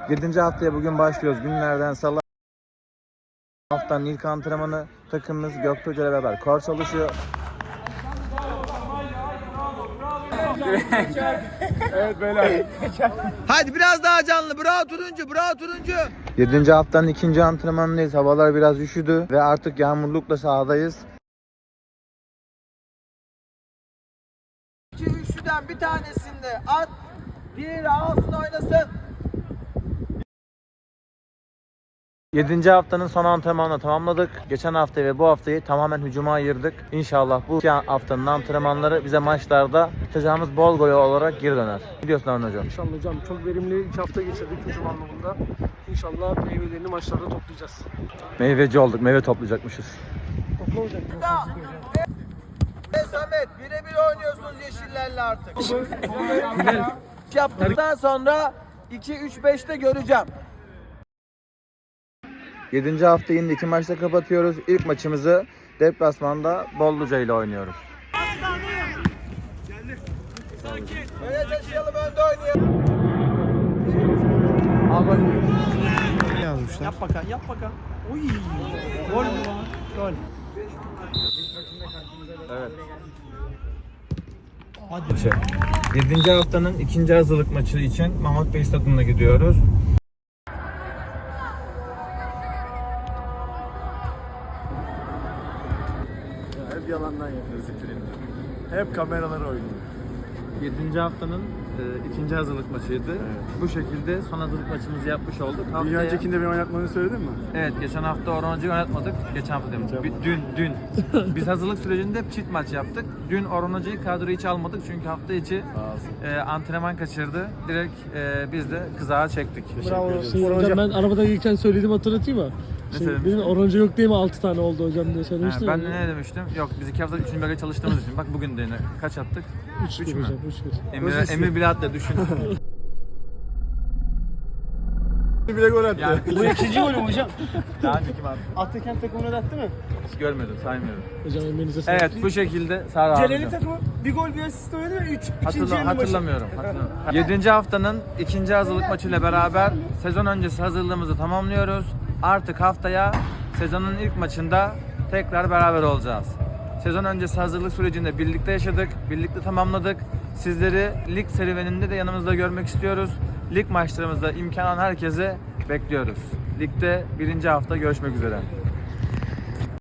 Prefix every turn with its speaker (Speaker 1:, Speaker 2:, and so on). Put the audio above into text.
Speaker 1: 7. haftaya bugün başlıyoruz. Günlerden salı. Haftanın ilk antrenmanı takımımız Göktuğ Hoca ile beraber kor çalışıyor.
Speaker 2: Evet beyler.
Speaker 1: Hadi biraz daha canlı. Bravo turuncu, bravo turuncu. 7. haftanın 2. antrenmanındayız. Havalar biraz üşüdü ve artık yağmurlukla sahadayız. İki üçlüden bir tanesinde at, diğeri alsın oynasın. 7. haftanın son antrenmanını tamamladık. Geçen hafta ve bu haftayı tamamen hücuma ayırdık. İnşallah bu 2 haftanın antrenmanları bize maçlarda atacağımız bol gol olarak geri döner. Ne diyorsun Harun Hocam?
Speaker 2: İnşallah hocam çok verimli 2 hafta geçirdik hücum anlamında. İnşallah meyvelerini maçlarda toplayacağız.
Speaker 1: Meyveci olduk, meyve toplayacakmışız.
Speaker 2: Topla hocam.
Speaker 1: Samet, birebir oynuyorsunuz yeşillerle artık. Yaptıktan sonra 2-3-5'te göreceğim. 7. haftayı yine 2 maçta kapatıyoruz. İlk maçımızı deplasmanda Bolluca ile oynuyoruz. Öne taşıyalım, önde oynayalım. Al bakayım.
Speaker 3: Ne yazmışlar?
Speaker 2: Yap bakalım, yap bakalım. Oy! Gol mü? Gol.
Speaker 1: Evet. Hadi. 7. haftanın 2. hazırlık maçı için Mahmut Bey Stadı'na gidiyoruz.
Speaker 3: Hep yalandan yapıyoruz ikilini. Hep kameralara oynuyor.
Speaker 1: 7. haftanın 2. hazırlık maçıydı.
Speaker 3: Evet.
Speaker 1: Bu şekilde son hazırlık maçımızı yapmış olduk.
Speaker 3: Bir
Speaker 1: Haftaya...
Speaker 3: öncekinde beni oynatmanı söyledin mi?
Speaker 1: Evet, geçen hafta Orhan Hoca'yı oynatmadık. Geçen hafta demiştim. Dün. Biz hazırlık sürecinde hep çift maç yaptık. Dün Orhan Hoca'yı kadroya hiç almadık çünkü hafta içi antrenman kaçırdı. Direkt biz de kızağa çektik.
Speaker 2: Bravo.
Speaker 3: ederiz.
Speaker 2: Hocam ben arabada gelirken söyledim, hatırlatayım mı?
Speaker 1: söylemiştin?
Speaker 2: Benim oranca yok değil mi? 6 tane oldu hocam diye söylemiştim.
Speaker 1: Ben de ne demiştim? Yok, biz 2 hafta 3. bölge çalıştığımız için. Bak bugün de yine kaç attık?
Speaker 2: 3
Speaker 1: mü?
Speaker 2: hocam, 3-1.
Speaker 1: Emir bile attı, düşün.
Speaker 3: Bile gol attı.
Speaker 1: Yani
Speaker 2: Bu ikinci golüm hocam.
Speaker 1: daha önce kim attı?
Speaker 2: Atakent takımına da attı mı?
Speaker 1: Hiç görmedim, saymıyorum.
Speaker 2: Hocam emeğinize sağlık.
Speaker 1: Evet, bu şekilde Sara abi.
Speaker 2: Celali takımı bir gol bir asist oynadı ve 3.
Speaker 1: Hatırlamıyorum. 7. haftanın 2. hazırlık maçıyla beraber sezon öncesi hazırlığımızı tamamlıyoruz. Artık haftaya sezonun ilk maçında tekrar beraber olacağız. Sezon öncesi hazırlık sürecinde birlikte yaşadık, birlikte tamamladık. Sizleri lig serüveninde de yanımızda görmek istiyoruz. Lig maçlarımızda imkan olan herkese bekliyoruz. Ligde 1. hafta görüşmek üzere.